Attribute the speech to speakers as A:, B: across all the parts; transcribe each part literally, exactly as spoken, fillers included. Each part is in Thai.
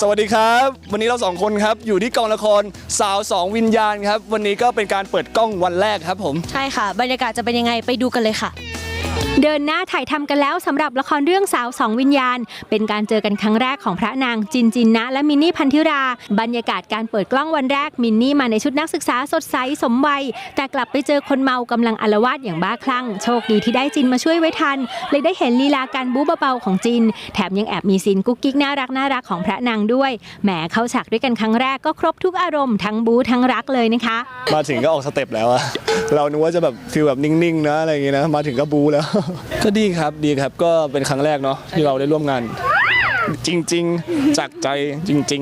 A: สวัสดีครับวันนี้เราสองคนครับอยู่ที่กองละครสาวสองวิญญาณครับวันนี้ก็เป็นการเปิดกล้องวันแรกครับผม
B: ใช่ค่ะบรรยากาศจะเป็นยังไงไปดูกันเลยค่ะ
C: เดินหน้าถ่ายทำกันแล้วสำหรับละครเรื่องสาวสองวิญญาณเป็นการเจอกันครั้งแรกของพระนางจินจินนะและมินนี่พันธิราบรรยากาศการเปิดกล้องวันแรกมินนี่มาในชุดนักศึกษาสดใสสมวัยแต่กลับไปเจอคนเมากำลังอาละวาดอย่างบ้าคลั่งโชคดีที่ได้จินมาช่วยไว้ทันเลยได้เห็นลีลาการบู๊เบาๆของจินแถมยังแอบมีซีนกุ๊กกิ๊กน่ารักน่ารักของพระนางด้วยแหมเข้าฉากด้วยกันครั้งแรกก็ครบทุกอารมณ์ทั้งบู๊ทั้งรักเลยนะคะ
A: มาถึงก็ออกสเต็ปแล้วอะเรานึกว่าจะแบบฟีลแบบนิ่งๆนะอะไรอย่างงี้นะมาถึงก็บู๊แล้วก็ดีครับดีครับก็เป็นครั้งแรกเนาะที่เราได้ร่วมงานจริงๆจากใจจริง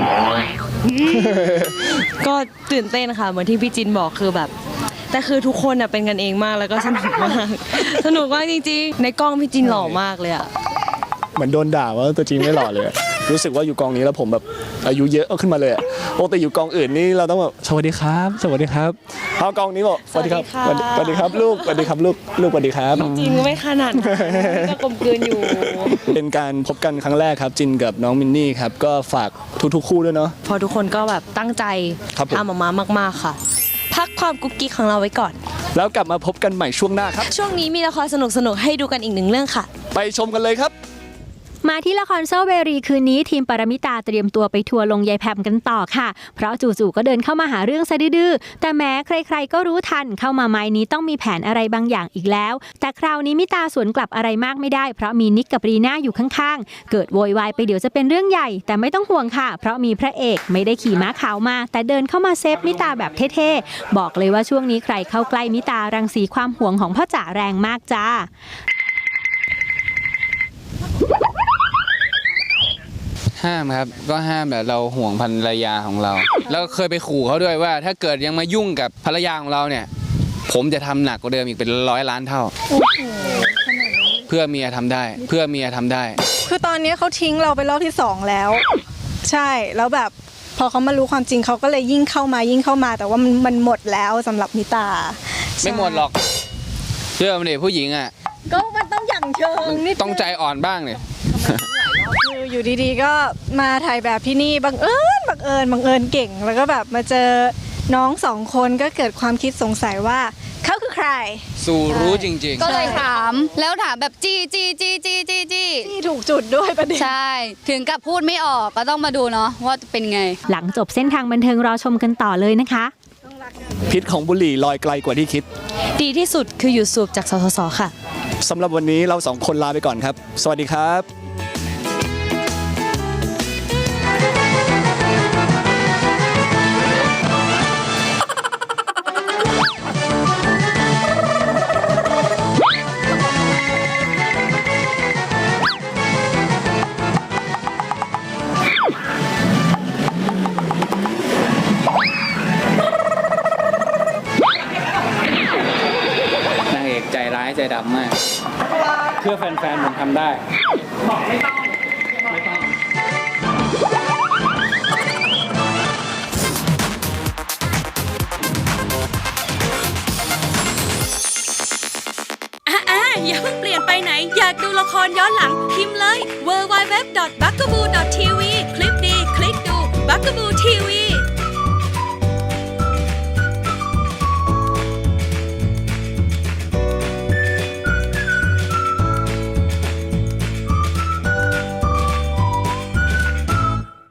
B: ๆก็ตื่นเต้นค่ะเหมือนที่พี่จินบอกคือแบบแต่คือทุกคนเป็นกันเองมากแล้วก็สนุกมากสนุกมากจริงๆในกล้องพี่จินหล่อมากเลยอะ
A: เหมือนโดนด่าว่าตัวจริงไม่หล่อเลยรู้สึกว่าอยู่กองนี้แล้วผมแบบอายุเยอะขึ้นมาเลยปกติอยู่กองอื่นนี่เราต้องแบบสวัสดีครับสวัสดีครับพอกองนี้บอกสวัสดีครับสวัสดีครับลูกสวัสดีครับลูกลูกสวัสดีครับ
B: จริงไม่ขนาดก็กลมกลืนอยู่
A: เป็นการพบกันครั้งแรกครับจินกับน้องมินนี่ครับก็ฝากทุกๆคู่ด้วยเนาะ
B: พอทุกคนก็แบบตั้งใจทำออกมามากๆค่ะพักความกุ๊กกิ๊กของเราไว้ก่อน
A: แล้วกลับมาพบกันใหม่ช่วงหน้าครับ
B: ช่วงนี้มีละครสนุกๆให้ดูกันอีกหนึ่งเรื่องค่ะ
A: ไปชมกันเลยครับ
C: มาที่ละครโซเวรีคืนนี้ทีมปรมิตาเตรียมตัวไปทัวร์ลงยายแพมกันต่อค่ะเพราะจู่ๆก็เดินเข้ามาหาเรื่องซะดื้อแต่แม้ใครๆก็รู้ทันเข้ามาไม้นี้ต้องมีแผนอะไรบางอย่างอีกแล้วแต่คราวนี้มิตาสวนกลับอะไรมากไม่ได้เพราะมีนิกกับรีน่าอยู่ข้างๆเกิดโวยวายไปเดี๋ยวจะเป็นเรื่องใหญ่แต่ไม่ต้องห่วงค่ะเพราะมีพระเอกไม่ได้ขี่ม้าขาวมาแต่เดินเข้ามาเซฟมิตาแบบเท่ๆบอกเลยว่าช่วงนี้ใครเข้าใกล้มิตารังสีความหวงของพ่อจ๋าแรงมากจ้า
D: ห้ามครับก็ห้ามแบบเราห่วงภรรยาของเราแล้วเคยไปขู่เขาด้วยว่าถ้าเกิดยังมายุ่งกับภรรยาของเราเนี่ยผมจะทำหนักกว่าเดิมอีกเป็นร้อยล้านเท่าเพื่อเมียทำได้เพื่อเมียทำได้
E: คือตอนนี้เขาทิ้งเราไปรอบที่สองแล้วใช่แล้วแบบพอเขามารู้ความจริงเขาก็เลยยิ่งเข้ามายิ่งเข้ามาแต่ว่ามันมันหมดแล้วสำหรับมิตา
D: ไม่หมดหรอกเชื่อมันดิผู้หญิงอ่ะ
E: ก็มันต้องอย่างเชิงนิด
D: ต้องใจอ่อนบ้างเนี่ย
E: คืออยู่ดีๆก็มาถ่ายแบบที่นี่บังเอิญบังเอิญบังเอิญเก่งแล้วก็แบบมาเจอน้องสองคนก็เกิดความคิดสงสัยว่าเขาคือใคร
D: สู่รู้จริง
F: ๆก็เลยถามแล้วถามแบบจี้จี้จี้จี้จี้จี้
E: จี้ถูกจุดด้วยประเด็น
F: ใช่ถึงกับพูดไม่ออกก็ต้องมาดูเนาะว่าเป็นไง
C: หลังจบเส้นทางบันเทิงรอชมกันต่อเลยนะคะ
A: พิษของบุหรี่ลอยไกลกว่าที่คิด
B: ดีที่สุดคือหยุดสูบจากสสสค่ะ
A: สำหรับวันนี้เราสองคนลาไปก่อนครับสวัสดีครับ
D: ใจร้ายใจดำมากเพื่อแฟนๆผมทำได้บอกไม่ต้องไม่ต้อง
G: อ่าๆอย่าเพิ่งเปลี่ยนไปไหนอยากดูละครย้อนหลังพิมพ์เลย ดับเบิลยู ดับเบิลยู ดับเบิลยู ดอท บักกะบู ดอท ที วี คลิกดีคลิกดู บักกะบู